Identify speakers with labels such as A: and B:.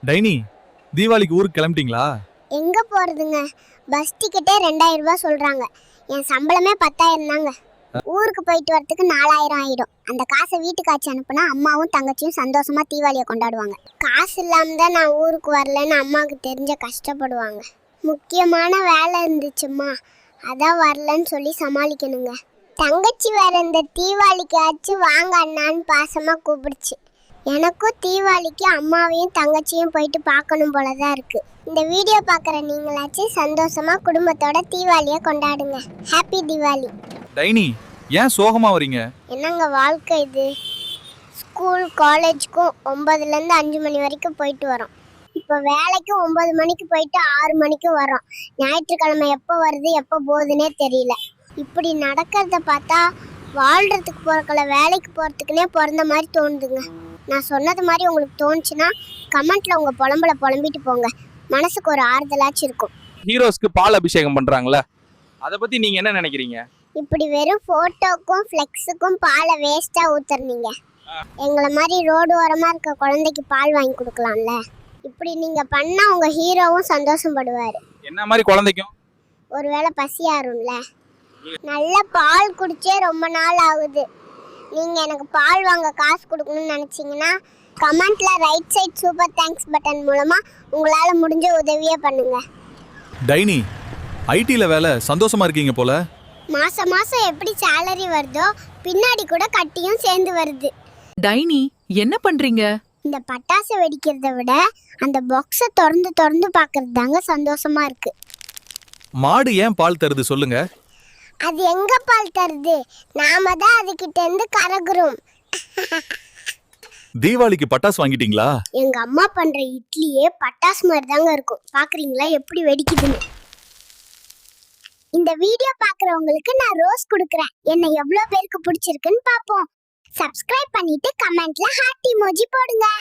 A: Tiny, தீபாவளிக்கு ஊருக்கு கிளம்பிட்டீங்களா?
B: எங்க போறதுங்க? பஸ் டிக்கெட்டே 2000 ரூபாய் சொல்றாங்க. என் சம்பளமே 10,000 தாங்க. ஊருக்கு போயிட்டு வரதுக்கு 4000 ஆயிடும். அந்த காசை வீட்டுக்கு ஆச்சு அனுப்புனா அம்மாவும் தங்கச்சியும் சந்தோஷமா தீபாவளியை கொண்டாடுவாங்க. காசு இல்லாம தான் நான் ஊருக்கு வரலன்னு அம்மாவுக்கு தெரிஞ்ச கஷ்டப்படுவாங்க. முக்கியமான வேலை இருந்துச்சுமா, அதான் வரலன்னு சொல்லி சமாளிக்கணுங்க. தங்கச்சி வேற இந்த தீபாவளிக்கு ஆச்சு வாங்க அண்ணான்னு பாசமா கூப்பிடுச்சு. எனக்கும் தீபாவளிக்கு அம்மாவையும் தங்கச்சியும் போயிட்டு பார்க்கணும் போலதான் இருக்கு. இந்த வீடியோ பார்க்குற நீங்களாச்சும் சந்தோஷமா குடும்பத்தோட தீபாவளியை கொண்டாடுங்க. ஹாப்பி தீபாவளி.
A: டைனி, ஏன் சோகமா வரீங்க?
B: என்னங்க வாழ்க்கை இது? ஸ்கூல் காலேஜுக்கும் 9லேருந்து 5 மணி வரைக்கும் போயிட்டு வரோம். இப்போ வேலைக்கு 9 மணிக்கு போயிட்டு 6 மணிக்கு வரோம். ஞாயிற்றுக்கிழமை எப்போ வருது எப்போ போகுதுன்னே தெரியல. இப்படி நடக்கிறத பார்த்தா வாழ்கிறதுக்கு போகிறக்கல வேலைக்கு போகிறதுக்குன்னே பிறந்த மாதிரி தோணுதுங்க. நான் சொன்னது மாதிரி உங்களுக்கு தோணுச்சுன்னா கமெண்ட்ல உங்கள் புலம்பிட்டு போங்க. மனசுக்கு ஒரு ஆறுதலாச்சும் இருக்கும்.
C: ஹீரோஸ்க்கு பால் அபிஷேகம் பண்றாங்களே, அதை பத்தி நீங்க என்ன நினைக்கிறீங்க?
B: இப்படி வெறும் போட்டோக்கும் ஃப்ளெக்ஸுக்கும் பாலை வேஸ்டா ஊத்துறீங்க. எங்களை மாதிரி ரோடு ஓரமா இருக்க குழந்தைக்கு பால் வாங்கி கொடுக்கலாம்ல. இப்படி நீங்க பண்ணா உங்க ஹீரோவும் சந்தோஷப்படுவாரு.
C: என்ன மாதிரி குழந்தைக்கும்
B: ஒருவேளை பசியாரும்ல. நல்ல பால் குடிச்சே ரொம்ப நாள் ஆகுது. நீங்க எனக்கு பால் வாங்க காசு கொடுக்கணும்னு நினைச்சீங்கன்னா கமெண்ட்ல right side super thanks button மூலமா உங்களால முடிஞ்ச உதவியே பண்ணுங்க.
A: டைனி, ஐடில வேலை சந்தோஷமா இருக்கீங்க போல.
B: மாசம் மாசம் எப்படி சேலரி வருதோ பின்னாடி கூட கட்டியும் சேர்ந்து வருது.
D: டைனி, என்ன பண்றீங்க?
B: இந்த பட்டாசு வெடிக்கிறத விட அந்த பாக்ஸை திறந்து பார்க்கறது தாங்க சந்தோஷமா இருக்கு.
A: மாடு ஏன் பால் தருது சொல்லுங்க?
B: அது எங்க பால் தருது? நாம தான் அதுகிட்ட இருந்து கறகுறோம்.
A: தீபாவளிக்கு பட்டாசு வாங்கிட்டீங்களா?
B: எங்க அம்மா பண்ற இட்லியே பட்டாசு மாதிரி தாங்க இருக்கும். பாக்குறீங்களா எப்படி வெடிக்குதுன்னு? இந்த வீடியோ பாக்குறவங்களுக்கு நான் ரோஸ் கொடுக்கறேன். என்ன எவ்வளவு பேருக்கு பிடிச்சிருக்குன்னு பாப்போம். சப்ஸ்கிரைப் பண்ணிட்டு கமெண்ட்ல ஹார்ட் இமோஜி போடுங்க.